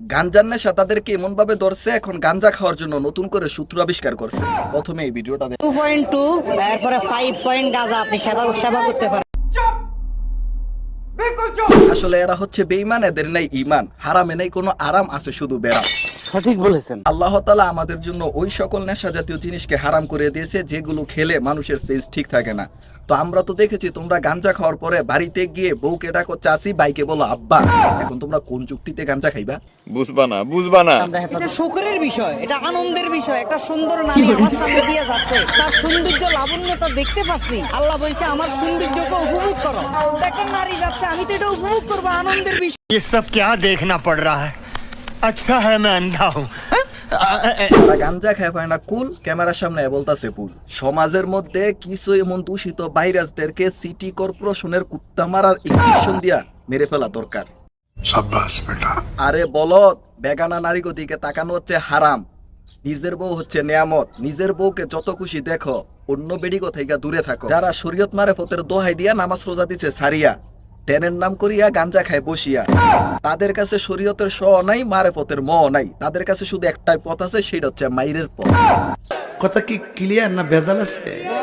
গাঞ্জার নেশা তাদেরকে এমন ভাবে ধরছে, এখন গাঞ্জা খাওয়ার জন্য নতুন করে সূত্র আবিষ্কার করছে। প্রথমে এই ভিডিওটা 2.2 এরপরে 5 পয়েন্ট গাঁজা আপনি সেবা করতে পারেন। আসলে এরা হচ্ছে বেঈমান, এদের নাই ঈমান, হারামে নেই কোনো আরাম, আছে শুধু বেরাম। সঠিক বলেছেন। আল্লাহ তাআলা আমাদের জন্য ওই সকল নেশা জাতীয় জিনিসকে হারাম করে দিয়েছে যেগুলো খেলে মানুষের সেন্স ঠিক থাকে না। তো আমরা তো দেখেছি তোমরা গাঞ্জা খাওয়ার পরে বাড়িতে গিয়ে বউকে ডাকো চাচি, বাইকে বলো আব্বা। এখন তোমরা কোন যুক্তিতে গাঞ্জা খাইবা? বুঝবা না এটা শোকের বিষয়, এটা আনন্দের বিষয়। একটা সুন্দর নারী আমার সামনে দিয়ে যাচ্ছে, তার সৌন্দর্য লাবণ্যতা দেখতে পাচ্ছি। আল্লাহ বলছে আমার সৌন্দর্যকে উপভোগ করো। একটা নারী যাচ্ছে, আমি তো এটা উপভোগ করবো, আনন্দের বিষয়। ये सब क्या देखना पड़ रहा है? अच्छा है मैं अंधा हूँ। তারা গাঞ্জা খায় পায় না কুল, ক্যামেরার সামনে বলতাছে পুল। সমাজের মধ্যে কিছু এমন দূষিত ভাইরাসদেরকে সিটি কর্পোরেশনের কুত্তা মারার ইনজেকশন দিয়া মেরে ফেলা দরকার। আরে বলদ, বেগানা নারী দিকে তাকানো হচ্ছে হারাম। নিজের বউ হচ্ছে নিয়ামত। নিজের বউকে যত খুশি দেখো, অন্য বেডিগো থেকে দূরে থাকো। যারা শরীয়ত মারেফতের দোহাই দিয়া নামাজ রোজা দিছে সারিয়া, ধ্যানের নাম করিয়া গাঞ্জা খায় বসিয়া, তাদের কাছে শরীয়তের শ নাই, মারেফতের ম নাই। তাদের কাছে শুধু একটাই পথ আছে, সেটা হচ্ছে মাইরের পথ। কথা কি ক্লিয়ার না ভেজাল আছে?